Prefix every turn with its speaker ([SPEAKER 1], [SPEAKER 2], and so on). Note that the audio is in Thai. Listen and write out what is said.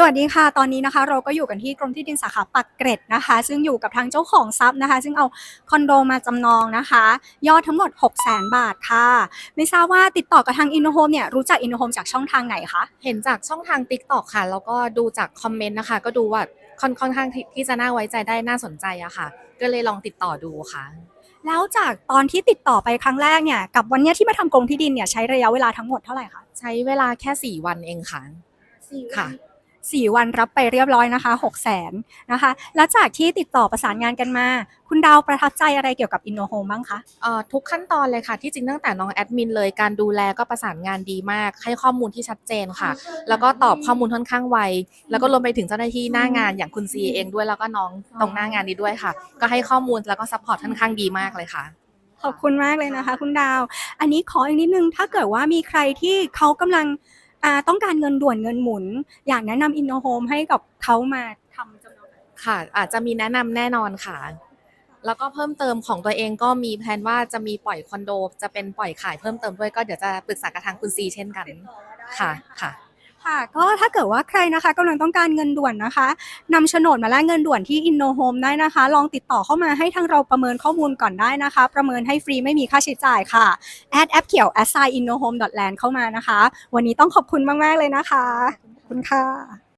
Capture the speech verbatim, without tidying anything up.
[SPEAKER 1] สวัสดีค่ะตอนนี้นะคะเราก็อยู่กันที่กรมที่ดินสาขาปากเกร็ดนะคะซึ่งอยู่กับทางเจ้าของทรัพย์นะคะซึ่งเอาคอนโดมาจำนองนะคะยอดทั้งหมดหกแสนบาทค่ะไม่ทราบว่าติดต่อกับทาง Innohome เนี่ยรู้จัก Innohome จากช่องทางไหนคะ
[SPEAKER 2] เห็นจากช่องทาง ติ๊กต็อก ค่ะแล้วก็ดูจากคอมเมนต์นะคะก็ดูว่าค่อนค่อนข้างที่ที่จะน่าไว้ใจได้น่าสนใจอะค่ะก็เลยลองติดต่อดูค่ะ
[SPEAKER 1] แล้วจากตอนที่ติดต่อไปครั้งแรกเนี่ยกับวันเนี้ยที่มาทำกรมที่ดินเนี่ยใช้ระยะเวลาทั้งหมดเท่าไหร่คะ
[SPEAKER 2] ใช้เวลาแค่สี่วันเองค่ะ
[SPEAKER 1] สี่วั
[SPEAKER 2] ค่ะ
[SPEAKER 1] นสี่วันรับไปเรียบร้อยนะคะหกแสนนะคะแล้วจากที่ติดต่อประสานงานกันมาคุณดาวประทับใจอะไรเกี่ยวกับ Innohome บ้างคะ
[SPEAKER 2] เอ่อทุกขั้นตอนเลยค่ะที่จริงตั้งแต่น้องแอดมินเลยการดูแลก็ประสานงานดีมากให้ข้อมูลที่ชัดเจนค่ะแล้วก็ตอบข้อมูลค่อนข้างไวแล้วก็รวมไปถึงเจ้าหน้าที่หน้างานอย่างคุณซีเองด้วยแล้วก็น้องตรงหน้างานนี้ด้วยค่ะก็ให้ข้อมูลแล้วก็ซัพพอร์ตค่อนข้างดีมากเลยค่ะ
[SPEAKER 1] ขอบคุณมากเลยนะคะคุณดาวอันนี้ขออีกนิดนึงถ้าเกิดว่ามีใครที่เขากำลังอ่าต้องการเงินด่วนเงินหมุนอยากแนะนำ Innohome ให้กับเขามาทำจำนอง
[SPEAKER 2] ค่ะอาจจะมีแนะนำแน่นอนค่ะแล้วก็เพิ่มเติมของตัวเองก็มีแพลนว่าจะมีปล่อยคอนโดจะเป็นปล่อยขายเพิ่มเติมด้วยก็เดี๋ยวจะปรึกษากับทางคุณซีเช่นกันค่ะค่ะ
[SPEAKER 1] ค่ะก็ถ้าเกิดว่าใครนะคะกำลังต้องการเงินด่วนนะคะนำโฉนดมาแลกเงินด่วนที่ Innohome ได้นะคะลองติดต่อเข้ามาให้ทางเราประเมินข้อมูลก่อนได้นะคะประเมินให้ฟรีไม่มีค่าใช้จ่ายค่ะแอดแอปเขียว assign innohome dot land เข้ามานะคะวันนี้ต้องขอบคุณมากๆเลยนะคะขอบคุณค่ะ